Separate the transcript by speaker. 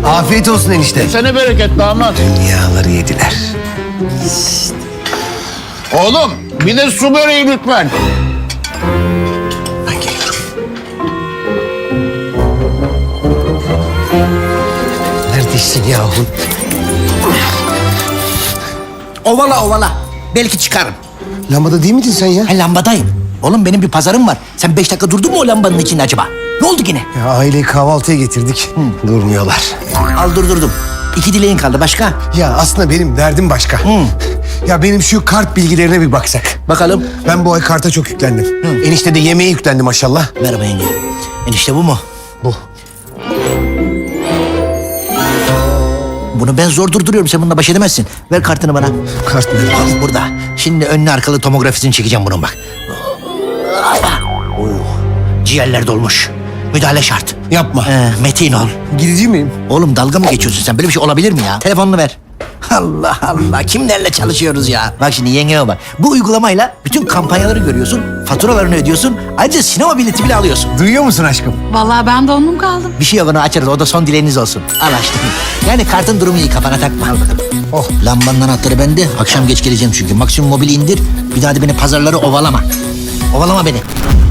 Speaker 1: Afiyet olsun enişte.
Speaker 2: Sene bereket damat.
Speaker 1: Dünyaları yediler.
Speaker 2: Oğlum bir de su böreği lütfen.
Speaker 1: Ben geliyorum. Neredesin yahu?
Speaker 3: Ovala ovala. Belki çıkarım.
Speaker 1: Lambada değil miydin sen ya?
Speaker 3: Ha, lambadayım. Oğlum benim bir pazarım var. Sen 5 dakika durdun mu o lambanın içinde acaba? Ne oldu yine?
Speaker 1: Ya aileyi kahvaltıya getirdik. Durmuyorlar.
Speaker 3: Al durdurdum. 2 dileğin kaldı başka.
Speaker 1: Ya aslında benim derdim başka. Ya benim şu kart bilgilerine bir baksak.
Speaker 3: Bakalım.
Speaker 1: Ben bu ay karta çok yüklendim. Enişte de yemeğe yüklendi maşallah.
Speaker 3: Merhaba yenge. Enişte bu mu?
Speaker 1: Bu.
Speaker 3: Bunu ben zor durduruyorum. Sen bununla baş edemezsin. Ver kartını bana.
Speaker 1: Kart mı?
Speaker 3: Al burada. Şimdi önlü arkalı tomografisini çekeceğim bunun bak. Oh. Ciğerler dolmuş. Müdahale şart.
Speaker 1: Yapma.
Speaker 3: Metin ol.
Speaker 1: Gidici miyim?
Speaker 3: Oğlum dalga mı geçiyorsun sen? Böyle bir şey olabilir mi ya? Telefonunu ver. Allah Allah. Kimlerle çalışıyoruz ya? Bak şimdi yengeme bak. Bu uygulamayla bütün kampanyaları görüyorsun. Faturalarını ödüyorsun. Ayrıca sinema bileti bile alıyorsun.
Speaker 1: Duyuyor musun aşkım?
Speaker 4: Vallahi ben donum kaldım.
Speaker 3: Bir şey yok onu açarız. O da son dileğiniz olsun. Al açtım. Yani kartın durumu iyi. Kafana takma. Al bakalım.
Speaker 1: Oh.
Speaker 3: Lambanın anahtarı bende. Akşam geç geleceğim çünkü. Maksimum mobili indir. Bir daha da beni pazarları ovalama. Ovalama beni.